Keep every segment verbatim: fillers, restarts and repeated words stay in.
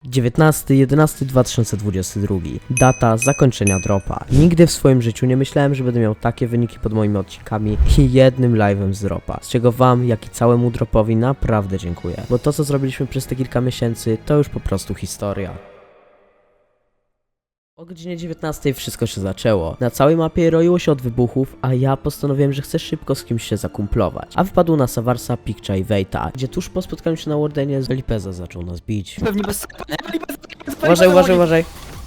dziewiętnasty jedenasty dwa tysiące dwudziesty drugi. Data zakończenia dropa. Nigdy w swoim życiu nie myślałem, że będę miał takie wyniki pod moimi odcinkami i jednym live'em z dropa. Z czego wam, jak i całemu dropowi naprawdę dziękuję. Bo to, co zrobiliśmy przez te kilka miesięcy, to już po prostu historia. O godzinie dziewiętnastej wszystko się zaczęło. Na całej mapie roiło się od wybuchów, a ja postanowiłem, że chcę szybko z kimś się zakumplować. A wpadł na Savarsa, Pikcza i Wejta, gdzie tuż po spotkaniu się na Wardenie Felipeza zaczął nas bić. Pewnie bez... Uważaj, uważaj, uważaj.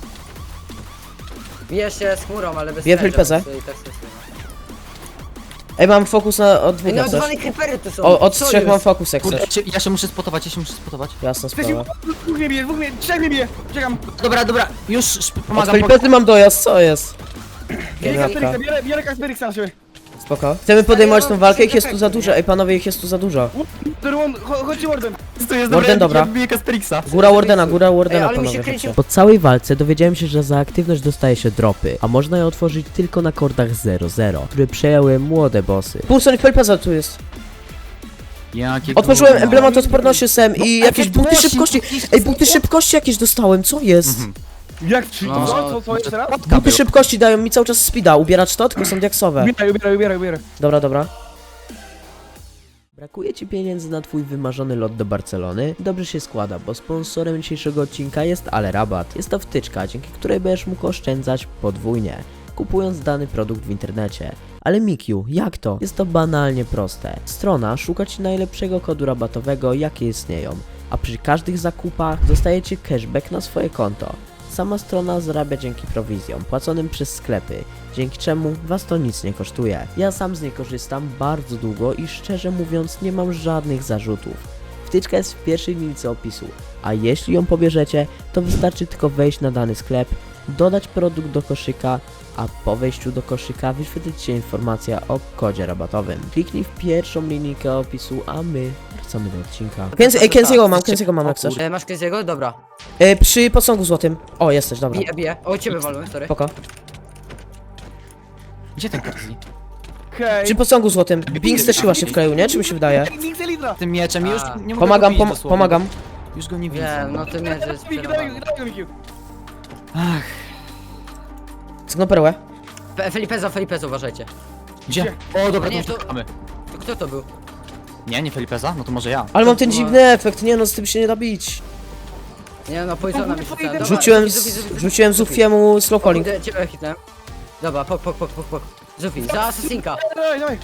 Bije się z chmurą, ale bez Bije serza, Felipeza. więc i tak stosuje. Ej, Ej, mam fokus na od dwóch, no jak chcesz. odwalone creepery tu są. O, od Co trzech jest? mam fokus, jak Kurde, chcesz. ja się- ja się muszę spotować, ja się muszę spotować. Jasna sprawa. Dwóch mnie bije, dwóch mnie, trzech mnie bije! Czekam! Dobra, dobra, już szp- Od pomagam. Felipezy mam dojazd, co jest? Bierę Genialka. Kasperiksa, biorę, biorę Kasperiksa na siebie! Spoko. Chcemy podejmować tą walkę, ich jest tu za dużo. Ej, panowie, ich jest tu za dużo. Dorłon, chodźcie Warden! To jest Warden, dobra. Ja biję Kasterixa. Góra Wardena, góra Wardena, Ej, ale mi się panowie. kręci- chodźcie. Po całej walce dowiedziałem się, że za aktywność dostaje się dropy, a można je otworzyć tylko na kordach zero zero, które przejęły młode bossy. Pulson Felipeza tu jest. Jakie Otworzyłem gówno. emblemat odporności sem i jakieś buty efekt szybkości. mocy, Ej, buty szybkości jakieś dostałem, co jest? Jak trzy? No. Co, co, co, jeszcze raz? Buty szybkości dają mi cały czas speeda, ubierać to, tylko są diaksowe. Ubieraj, ubieraj, ubieraj, ubieraj. Dobra, dobra. Brakuje ci pieniędzy na twój wymarzony lot do Barcelony? Dobrze się składa, bo sponsorem dzisiejszego odcinka jest Ale Rabat. Jest to wtyczka, dzięki której będziesz mógł oszczędzać podwójnie, kupując dany produkt w internecie. Ale Mikiu, jak to? Jest to banalnie proste. Strona szuka ci najlepszego kodu rabatowego, jakie istnieją, a przy każdych zakupach dostajecie cashback na swoje konto. Sama strona zarabia dzięki prowizjom płaconym przez sklepy, dzięki czemu was to nic nie kosztuje. Ja sam z niej korzystam bardzo długo i szczerze mówiąc nie mam żadnych zarzutów. Wtyczka jest w pierwszej linijce opisu, a jeśli ją pobierzecie, to wystarczy tylko wejść na dany sklep, dodać produkt do koszyka, a po wejściu do koszyka wyświetlić się informacja o kodzie rabatowym. Kliknij w pierwszą linijkę opisu, a my wracamy do odcinka. Kenzie, ej, Kenziego mam, Kenziego mam, jak chcesz. E, masz Kenziego? Dobra. E, przy posągu złotym. O, jesteś, dobra. Bije, bije. O, ciebie walłem, sorry. Spoko. Gdzie ten Kenzie? Hej! Przy posągu złotym. Binks też chyba się wkleił, nie? Czy mi się wydaje? Mix Elitra! Tym mieczem już A. nie mogę Pomagam, go pom bić dosłownie. pomagam. Już go nie widzę. Wiem, no to mnie to jest Miki, daj, przerwane. daj go, Miki! Ach, Cygną perłę. Fe- Felipeza, Felipeza, uważajcie. gdzie? O, dobra, A nie, to to- uciekamy. To kto to był? Nie, nie Felipeza? No to może ja. Ale mam ten dziwny efekt, nie no, z tym się nie da bić. Nie no, Poisona mi rzucałem. Dobra, Rzuciłem, Zufi, Zufi, z, Zufi, rzuciłem Zufi. Zufiemu slow calling. Kurde, ciebie hitnąłem. Dobra, pok, pok, pok, pok, pok. Zufi, za asesinka. Dawaj, dawaj!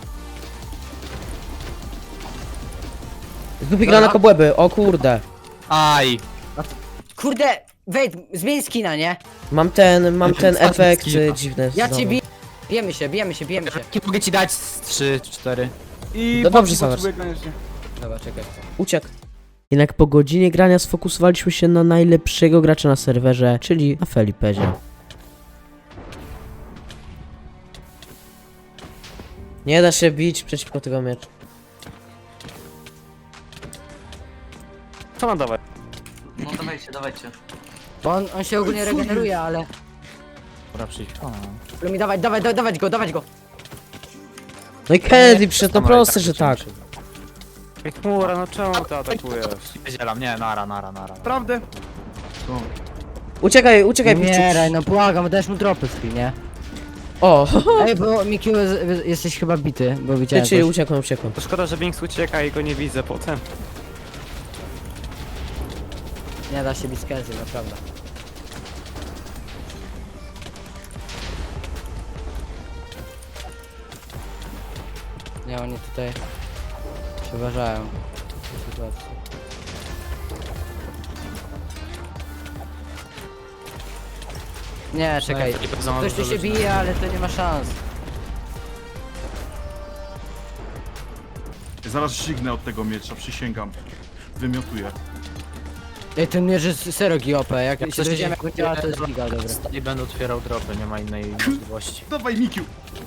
Zufi gra na kobłęby, o kurde. Aj. Kurde, wejdź, zmień skina, nie? Mam ten, mam ten Ostatni efekt skill. y, dziwny. Ja znowu. cię biję. Bijemy się, bijemy się, bijemy się. Jakie mogę ci dać? Z trzy, cztery. I No dobrze, Foxy Savers. potrzebuje koniecznie. Dobra, czekaj. Uciekł. Jednak po godzinie grania sfokusowaliśmy się na najlepszego gracza na serwerze, czyli na Felipezie. Nie da się bić przeciwko tego mieczu. Co mam dawać? No dawajcie, dawajcie. Bo on, on się ogólnie regeneruje, ale... Dobra, przyjdź. O. Żeby mi dawać, dawać, dawać go, dawać go. No i Kennedy przyszedł, no Dobra, i proste, że lecimy tak. się. Ej, chmura, no czemu ty atakujesz? Zielam, nie, nara, nara, nara. Prawdę? Uciekaj, uciekaj, Piwczuks. Umieraj, no błagam, dajesz mu dropy z nie? O, Ej, bo Mikiu, jesteś chyba bity, bo ty, widziałem czyli coś. uciekłem, uciekłem. To szkoda, że Binks ucieka i go nie widzę potem. Nie da się bić z Kenzie, naprawdę. Nie, oni tutaj przeważają tę sytuację. Nie, czekaj. Felipeza ma Ktoś tu dużo się ludzi. bije, ale to nie ma szans. Zaraz żygnę od tego miecza, przysięgam. Wymiotuję. Ej, ten mierz jest serio G O P, jak Jak się coś dowiedziałem nie- jak on działa, to jest giga, dobra. I będę otwierał dropy, nie ma innej możliwości. Dawaj, Mikiu!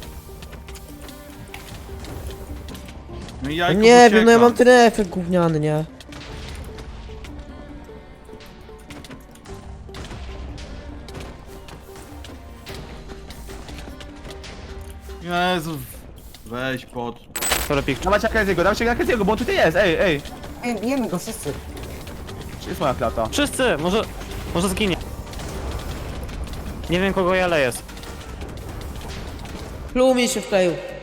No i jajko Nie wiem, no ja uciekam. mam ten efekt gówniany, nie? Jezu, weź pod... Co robi? Dawajcie Kenziego, dawajcie Kenziego, bo on tutaj jest, ej, ej! Ej, bijemy go wszyscy. jest moja klata. Wszyscy! Może... Może zginie. Nie wiem kogo ja leję. Plumie się wkleił.